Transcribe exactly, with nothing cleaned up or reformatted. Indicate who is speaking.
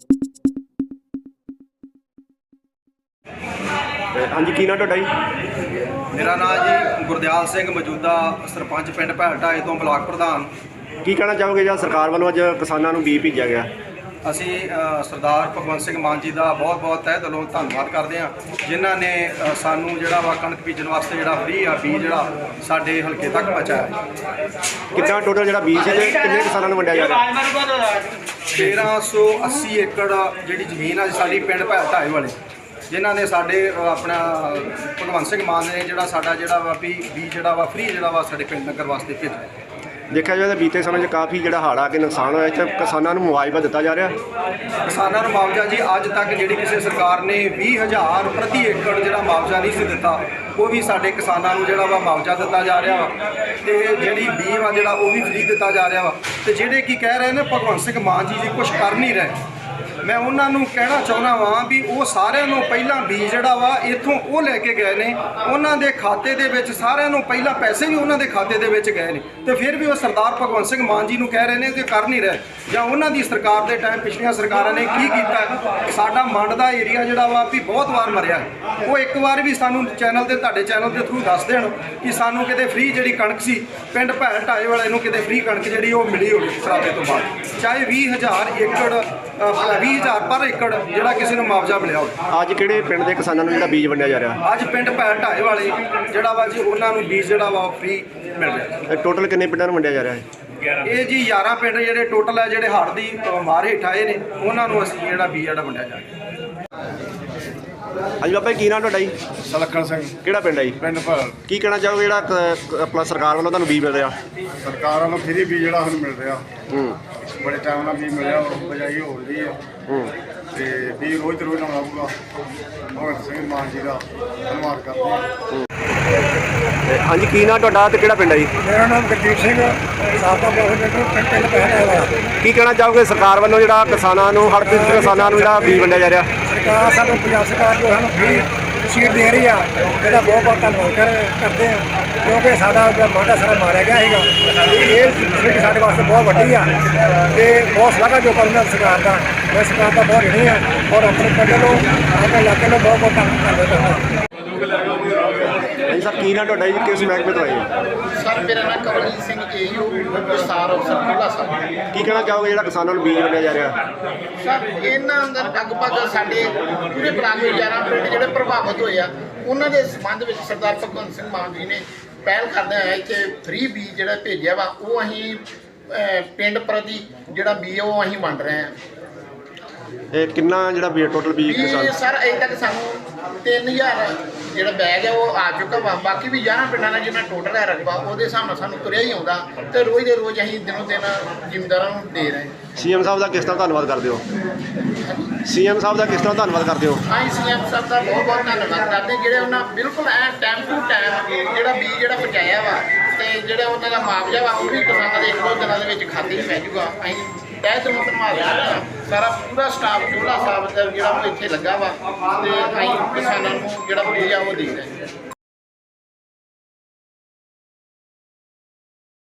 Speaker 1: हाँ जी, की नाम तुहाडा जी?
Speaker 2: मेरा नाम जी गुरदियाल सिंह, मौजूदा सरपंच पिंड भैल ढाए तो ब्लाक प्रधान।
Speaker 1: की कहना चाहोगे जो सरकार वालों अज किसानों ਨੂੰ बीज भेजा गया?
Speaker 2: ਅਸੀਂ ਸਰਦਾਰ ਭਗਵੰਤ ਸਿੰਘ ਮਾਨ ਜੀ ਦਾ ਬਹੁਤ ਬਹੁਤ ਤਹਿ ਦਿਲੋਂ ਧੰਨਵਾਦ ਕਰਦੇ ਹਾਂ, ਜਿਨ੍ਹਾਂ ਨੇ ਅ, ਸਾਨੂੰ ਜਿਹੜਾ ਵਾ ਕਣਕ ਬੀਜਣ ਵਾਸਤੇ ਜਿਹੜਾ ਫ੍ਰੀ ਆ ਬੀਜ ਜਿਹੜਾ ਸਾਡੇ ਹਲਕੇ ਤੱਕ ਪਹੁੰਚਾਇਆ।
Speaker 1: ਕਿੰਨਾ ਟੋਟਲ ਜਿਹੜਾ ਬੀਜ ਹੈ ਕਿੰਨੇ ਕਿਸਾਨਾਂ ਨੂੰ ਵੰਡਿਆ ਜਾ ਰਿਹਾ?
Speaker 2: ਤੇਰਾਂ ਸੌ ਅੱਸੀ ਏਕੜ ਜਿਹੜੀ ਜ਼ਮੀਨ ਆ ਸਾਡੀ ਪਿੰਡ ਭੈਲ ਢਾਏ ਵਾਲੇ, ਜਿਨ੍ਹਾਂ ਨੇ ਸਾਡੇ ਅ, ਆਪਣਾ ਭਗਵੰਤ ਸਿੰਘ ਮਾਨ ਨੇ ਜਿਹੜਾ ਸਾਡਾ ਜਿਹੜਾ ਵਾ ਵੀ ਬੀਜ ਜਿਹੜਾ ਵਾ ਫ੍ਰੀ ਜਿਹੜਾ ਵਾ ਸਾਡੇ ਪਿੰਡ ਨਗਰ ਵਾਸਤੇ ਭੇਜਿਆ।
Speaker 1: ਦੇਖਿਆ ਜਾਵੇ ਤਾਂ ਬੀਤੇ ਸਮੇਂ 'ਚ ਕਾਫੀ ਜਿਹੜਾ ਹੜ੍ਹ ਆ ਕੇ ਨੁਕਸਾਨ ਹੋਇਆ, ਇੱਥੇ ਕਿਸਾਨਾਂ ਨੂੰ ਮੁਆਵਜ਼ਾ ਦਿੱਤਾ ਜਾ ਰਿਹਾ।
Speaker 2: ਕਿਸਾਨਾਂ ਨੂੰ ਮੁਆਵਜ਼ਾ ਜੀ ਅੱਜ ਤੱਕ ਜਿਹੜੀ ਕਿਸੇ ਸਰਕਾਰ ਨੇ ਵੀਹ ਹਜ਼ਾਰ ਪ੍ਰਤੀ ਏਕੜ ਜਿਹੜਾ ਮੁਆਵਜ਼ਾ ਨਹੀਂ ਸੀ ਦਿੱਤਾ, ਉਹ ਵੀ ਸਾਡੇ ਕਿਸਾਨਾਂ ਨੂੰ ਜਿਹੜਾ ਵਾ ਮੁਆਵਜ਼ਾ ਦਿੱਤਾ ਜਾ ਰਿਹਾ ਵਾ। ਤੇ ਜਿਹੜੀ ਬੀਜ ਵਾ ਜਿਹੜਾ ਉਹ ਵੀ ਫ੍ਰੀ ਦਿੱਤਾ ਜਾ ਰਿਹਾ ਵਾ। ਤੇ ਜਿਹੜੇ ਕੀ ਕਹਿ ਰਹੇ ਨੇ ਭਗਵੰਤ ਸਿੰਘ ਮਾਨ ਜੀ ਜੀ ਕੁਝ ਕਰ ਨਹੀਂ ਰਹੇ, ਮੈਂ ਉਹਨਾਂ ਨੂੰ ਕਹਿਣਾ ਚਾਹੁੰਦਾ ਵਾਂ ਵੀ ਉਹ ਸਾਰਿਆਂ ਨੂੰ ਪਹਿਲਾਂ ਬੀਜ ਜਿਹੜਾ ਵਾ ਇੱਥੋਂ ਉਹ ਲੈ ਕੇ ਗਏ ਨੇ, ਉਹਨਾਂ ਦੇ ਖਾਤੇ ਦੇ ਵਿੱਚ ਸਾਰਿਆਂ ਨੂੰ ਪਹਿਲਾਂ ਪੈਸੇ ਵੀ ਉਹਨਾਂ ਦੇ ਖਾਤੇ ਦੇ ਵਿੱਚ ਗਏ ਨੇ, ਤੇ ਫਿਰ ਵੀ ਉਹ ਸਰਦਾਰ ਭਗਵੰਤ ਸਿੰਘ ਮਾਨ ਜੀ ਨੂੰ ਕਹਿ ਰਹੇ ਨੇ ਕਿ ਕਰ ਨਹੀਂ ਰਹੇ। ਜਾਂ ਉਹਨਾਂ ਦੀ ਸਰਕਾਰ ਦੇ ਟਾਈਮ ਪਿਛਲੀਆਂ ਸਰਕਾਰਾਂ ਨੇ ਕੀ ਕੀਤਾ? ਸਾਡਾ ਮੰਡ ਦਾ ਏਰੀਆ ਜਿਹੜਾ ਵਾ ਵੀ ਬਹੁਤ ਵਾਰ ਮਰਿਆ, ਉਹ ਇੱਕ ਵਾਰ ਵੀ ਸਾਨੂੰ ਚੈਨਲ ਤੇ ਤੁਹਾਡੇ ਚੈਨਲ ਦੇ ਥਰੂ ਦੱਸ ਦੇਣ ਕਿ ਸਾਨੂੰ ਕਿਤੇ ਫ੍ਰੀ ਜਿਹੜੀ ਕਣਕ ਸੀ ਪਿੰਡ ਭੈਲ ਢਾਏ ਵਾਲੇ ਨੂੰ ਕਿਤੇ ਫ੍ਰੀ ਕਣਕ ਜਿਹੜੀ ਉਹ ਮਿਲੀ ਹੋਵੇ ਸਰਾਦੇ ਤੋਂ ਬਾਅਦ, ਚਾਹੇ ਵੀਹ ਹਜ਼ਾਰ ਏਕੜ ਵੀਹ ਹਜ਼ਾਰ ਪਰ ਏਕੜ ਜਿਹੜਾ ਕਿਸੇ ਨੂੰ ਮੁਆਵਜ਼ਾ ਮਿਲਿਆ ਹੋਵੇ।
Speaker 1: ਅੱਜ ਕਿਹੜੇ ਪਿੰਡ ਦੇ ਕਿਸਾਨਾਂ ਨੂੰ ਜਿਹੜਾ ਬੀਜ ਵੰਡਿਆ ਜਾ ਰਿਹਾ?
Speaker 2: ਅੱਜ ਪਿੰਡ ਭੈਲ ਢਾਏ ਵਾਲੇ ਜਿਹੜਾ ਵਾ ਜੀ ਉਹਨਾਂ ਨੂੰ ਬੀਜ ਜਿਹੜਾ ਵਾ ਫ੍ਰੀ ਮਿਲ ਰਿਹਾ।
Speaker 1: ਟੋਟਲ ਕਿੰਨੇ ਪਿੰਡਾਂ ਨੂੰ ਵੰਡਿਆ ਜਾ ਰਿਹਾ ਹੈ?
Speaker 2: ਇਹ ਜੀ ਗਿਆਰਾਂ ਪਿੰਡ ਜਿਹੜੇ ਟੋਟਲ ਹੈ ਜਿਹੜੇ ਹੜ੍ਹ ਦੀ ਮਾਰ ਹੇਠ ਆਏ ਨੇ, ਉਹਨਾਂ ਨੂੰ ਅਸੀਂ ਜਿਹੜਾ ਬੀਜ ਜਿਹੜਾ ਵੰਡਿਆ ਜਾ ਰਿਹਾ।
Speaker 1: ਹਾਂਜੀ ਬਾਬਾ ਜੀ, ਕੀ ਨਾਮ ਤੁਹਾਡਾ ਜੀ?
Speaker 3: ਸਲੱਖਣ ਸਿੰਘ,
Speaker 1: ਕਿਹੜਾ ਪਿੰਡ ਹੈ ਜੀ?
Speaker 3: ਪਿੰਡ ਭੈਲ।
Speaker 1: ਕੀ ਕਹਿਣਾ ਚਾਹੋਗੇ ਜਿਹੜਾ ਕ- ਆਪਣਾ ਸਰਕਾਰ ਵੱਲੋਂ ਤੁਹਾਨੂੰ ਬੀਜ ਮਿਲ ਰਿਹਾ?
Speaker 3: ਸਰਕਾਰ ਵੱਲੋਂ ਫ੍ਰੀ ਵੀ ਜਿਹੜਾ ਹੁਣ ਮਿਲ ਰਿਹਾ,
Speaker 1: ਹੂੰ
Speaker 3: ਬੜੇ ਟਾਈਮ ਨਾਲ ਵੀ ਮਿਲਿਆ, ਉਹ ਬਜਾਈ ਹੋ ਰਹੀ ਹੈ।
Speaker 1: ਹੂੰ
Speaker 3: ਤੇ ਵੀ ਰੋਜ਼ ਤੇ ਰੋਜ਼ ਲਾਉਣਾ ਪਊਗਾ। ਭਗਵੰਤ ਸਿੰਘ ਮਾਨ ਜੀ ਦਾ ਧੰਨਵਾਦ ਕਰਦੇ ਹਾਂ।
Speaker 1: ਤੇ ਹਾਂਜੀ, ਕੀ ਨਾਮ ਤੁਹਾਡਾ ਤੇ ਕਿਹੜਾ ਪਿੰਡ ਹੈ ਜੀ?
Speaker 3: ਮੇਰਾ ਨਾਮ ਗੁਰਜੀਤ ਸਿੰਘ, ਸਾਬਕਾ ਪ੍ਰੈਜ਼ੀਡੈਂਟ ਪਿੰਡ ਭੈਲ ਵਾਲਾ।
Speaker 1: ਕੀ ਕਹਿਣਾ ਚਾਹੋਗੇ ਸਰਕਾਰ ਵੱਲੋਂ ਜਿਹੜਾ ਕਿਸਾਨਾਂ ਨੂੰ ਹੜ੍ਹ ਪੀੜਤ ਕਿਸਾਨਾਂ ਨੂੰ ਜਿਹੜਾ ਬੀਜ ਵੰਡਿਆ ਜਾ ਰਿਹਾ?
Speaker 3: ਸਰਕਾਰ ਸਾਨੂੰ ਪੰਜਾਬ ਸਰਕਾਰ ਜੋ ਸਾਨੂੰ ਫ੍ਰੀ ਸੀਟ ਦੇ ਰਹੀ ਆ, ਇਹਦਾ ਬਹੁਤ ਬਹੁਤ ਧੰਨਵਾਦ ਕਰ ਕਰਦੇ ਹਾਂ, ਕਿਉਂਕਿ ਸਾਡਾ ਜਿਹੜਾ ਮਾਂਡਾ ਸਾਰਾ ਮਾਰਿਆ ਗਿਆ ਸੀਗਾ। ਇਹ ਸੀਟ ਸਾਡੇ ਵਾਸਤੇ ਬਹੁਤ ਵੱਡੀ ਆ ਤੇ ਬਹੁਤ ਸ਼ਲਾਘਾ ਜੋ ਕਰਨਾ ਸਰਕਾਰ ਦਾ। ਮੈਂ ਸਰਕਾਰ ਦਾ ਬਹੁਤ ਰਿਣੀ ਆ ਔਰ ਆਪਣੇ ਪਿੰਡ ਨੂੰ ਆਪਣੇ ਇਲਾਕੇ ਨੂੰ ਬਹੁਤ ਬਹੁਤ ਧੰਨਵਾਦ ਕਰਦਾ।
Speaker 1: ਹਾਂਜੀ ਸਰ, ਕੀ ਨਾਮ ਤੁਹਾਡਾ ਜੀ? ਕਿਸ ਮਹਿਕਮੇ ਤੋਂ ਆਏ ਜੀ?
Speaker 4: ਸਰ ਮੇਰਾ ਨਾਮ ਕਮਲਜੀਤ ਸਿੰਘ ਏਯੂ ਵਿਸਥਾਰ ਅਫਸਰ ਕੋਲਾ ਸਾਹਿਬ।
Speaker 1: ਕੀ ਕਹਿਣਾ ਚਾਹੋਗੇ ਜਿਹੜਾ ਕਿਸਾਨਾਂ ਨੂੰ ਬੀਜ ਵੰਡਿਆ ਜਾ ਰਿਹਾ?
Speaker 4: ਸਰ ਇਹਨਾਂ ਅੰਦਰ ਲਗਭਗ ਸਾਡੇ ਪੂਰੇ ਬਲਾਕ ਦੇ ਗਿਆਰਾਂ ਪਿੰਡ ਜਿਹੜੇ ਪ੍ਰਭਾਵਿਤ ਹੋਏ ਆ, ਉਹਨਾਂ ਦੇ ਸੰਬੰਧ ਵਿੱਚ ਸਰਦਾਰ ਭਗਵੰਤ ਸਿੰਘ ਮਾਨ ਜੀ ਨੇ ਪਹਿਲ ਕਰਦੇ ਹੋਏ ਇੱਥੇ ਫ੍ਰੀ ਬੀਜ ਜਿਹੜਾ ਭੇਜਿਆ ਵਾ, ਉਹ ਅਸੀਂ ਪਿੰਡ ਪ੍ਰਤੀ ਜਿਹੜਾ ਬੀਜ ਉਹ ਅਸੀਂ ਵੰਡ ਰਹੇ ਹਾਂ।
Speaker 1: ਇਹ ਕਿੰਨਾ ਜਿਹੜਾ ਬੀਜ ਟੋਟਲ ਬੀਜ ਕਿਸਾਨ?
Speaker 4: ਵੀ ਸਰ ਅਜੇ ਤੱਕ ਸਾਨੂੰ ਤਿੰਨ ਹਜ਼ਾਰ ਜਿਹੜਾ ਬੈਗ ਹੈ ਉਹ ਆ ਚੁੱਕਾ ਵਾ। ਬਾਕੀ ਵੀ ਗਿਆਰਾਂ ਪਿੰਡਾਂ ਦਾ ਜਿੰਨਾ ਟੋਟਲ ਹੈ ਰਕਬਾ, ਉਹਦੇ ਹਿਸਾਬ ਨਾਲ ਸਾਨੂੰ ਤੁਰਿਆ ਹੀ ਆਉਂਦਾ ਤੇ ਰੋਜ਼ ਦੇ ਰੋਜ਼ ਅਸੀਂ ਦਿਨੋਂ ਦਿਨ ਜ਼ਿਮੀਂਦਾਰਾਂ ਨੂੰ ਦੇ ਰਹੇ ਹਾਂ।
Speaker 1: ਸੀਐਮ ਸਾਹਿਬ ਦਾ ਕਿਸ ਤਰ੍ਹਾਂ ਧੰਨਵਾਦ ਕਰਦੇ ਹੋ? ਸੀਐਮ ਸਾਹਿਬ ਦਾ ਕਿਸ ਤਰ੍ਹਾਂ ਧੰਨਵਾਦ ਕਰਦੇ ਹੋ?
Speaker 4: ਅਸੀਂ ਸੀਐਮ ਸਾਹਿਬ ਦਾ ਬਹੁਤ ਬਹੁਤ ਧੰਨਵਾਦ ਕਰਦੇ, ਜਿਹੜੇ ਉਹਨਾਂ ਬਿਲਕੁਲ ਐ ਟਾਈਮ ਟੂ ਟਾਈਮ ਜਿਹੜਾ ਬੀਜ ਜਿਹੜਾ ਪਹੁੰਚਾਇਆ ਵਾ, ਤੇ ਜਿਹੜਾ ਉਹਨਾਂ ਦਾ ਮੁਆਵਜ਼ਾ ਵਾ ਉਹ ਵੀ ਕਿਸਾਨਾਂ ਦੇ ਇੱਕ ਦੋ ਦਿਨਾਂ ਦੇ ਵਿੱਚ ਖਾਤੇ 'ਚ ਪੈ ਜਾਊਗਾ। ਅਸੀਂ ਤਹਿ ਦਿਲੋਂ ਧੰਨਵਾਦ ਕਰਦੇ ਹਾਂ। ਸਾਰਾ ਪੂਰਾ ਸਟਾਫ ਚੋਲਾ ਸਾਹਿਬ ਦਾ ਜਿਹੜਾ ਉਹ ਇੱਥੇ ਲੱਗਾ ਵਾ ਤੇ ਅਸੀਂ ਕਿਸਾਨਾਂ ਨੂੰ ਜਿਹੜਾ ਬੀਜ ਆ ਉਹ ਦੇ ਰਹੇ ਹਾਂ।